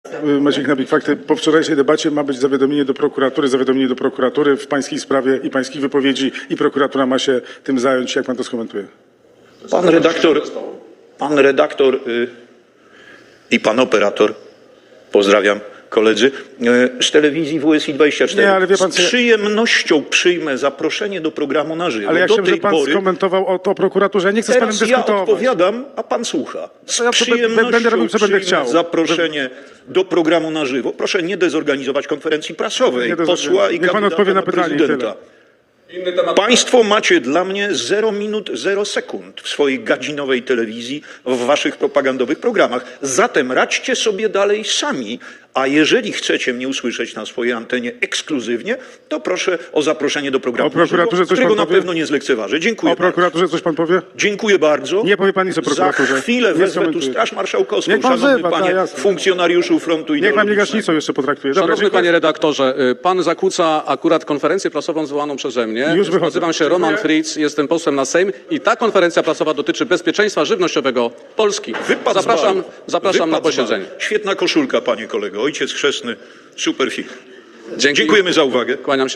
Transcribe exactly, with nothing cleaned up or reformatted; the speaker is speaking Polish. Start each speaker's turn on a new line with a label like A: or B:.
A: Maciek Nabik, fakty. Po wczorajszej debacie ma być zawiadomienie do prokuratury, zawiadomienie do prokuratury w pańskiej sprawie i pańskich wypowiedzi i prokuratura ma się tym zająć. Jak pan to skomentuje?
B: Pan redaktor, pan redaktor y, i pan operator, pozdrawiam koledzy, y, z telewizji W S I dwadzieścia cztery.
A: Nie, ale wie pan,
B: z
A: co ja-
B: przyjemnością przyjmę zaproszenie do programu na żywo.
A: Ale ja
B: do
A: chciałem,
B: tej
A: żeby pan
B: pory
A: skomentował o to prokuraturze. Ja nie chcę z panem
B: teraz ja
A: dyskutować.
B: odpowiadam, a pan słucha. Z
A: To ja to be-
B: przyjemnością
A: będę robił, co będę
B: przyjmę
A: chciał.
B: zaproszenie do programu na żywo. Proszę nie dezorganizować konferencji prasowej
A: Nie dezorganizuję.
B: posła i
A: Niech pan
B: kandydata
A: odpowie na
B: na
A: pytanie i
B: prezydenta. Państwo macie dla mnie zero minut, zero sekund w swojej gadzinowej telewizji, w waszych propagandowych programach. Zatem radźcie sobie dalej sami, a jeżeli chcecie mnie usłyszeć na swojej antenie ekskluzywnie, to proszę o zaproszenie do programu,
A: O prokuraturze coś
B: którego
A: pan
B: na
A: powie?
B: pewno nie zlekceważę. Dziękuję
A: O prokuraturze coś pan powie?
B: bardzo. Dziękuję bardzo.
A: Nie powie pan nic o prokuraturze.
B: Za chwilę
A: Nie
B: wezwę tu
A: skomentuję.
B: Straż Marszałkowską,
A: Niech pan
B: szanowny
A: wzywa,
B: panie
A: tak, jasne.
B: funkcjonariuszu frontu
A: Niech pan mnie
B: ideologicznego.
A: gaśnicą jeszcze potraktuje. Dobra,
C: Szanowny
A: dziękuję.
C: panie redaktorze, y, pan zakłóca akurat konferencję prasową zwołaną przeze mnie.
A: Już wychodzę.
C: Nazywam się Roman
A: Dziękuję.
C: Fritz, jestem posłem na Sejm i ta konferencja prasowa dotyczy bezpieczeństwa żywnościowego Polski.
B: Wypad z
C: Zapraszam,
B: baru.
C: zapraszam na
B: Wypad z baru.
C: posiedzenie.
B: Świetna koszulka, panie kolego. Ojciec chrzestny, super film.
C: Dzięki.
B: Dziękujemy za uwagę.
C: Kłaniam się.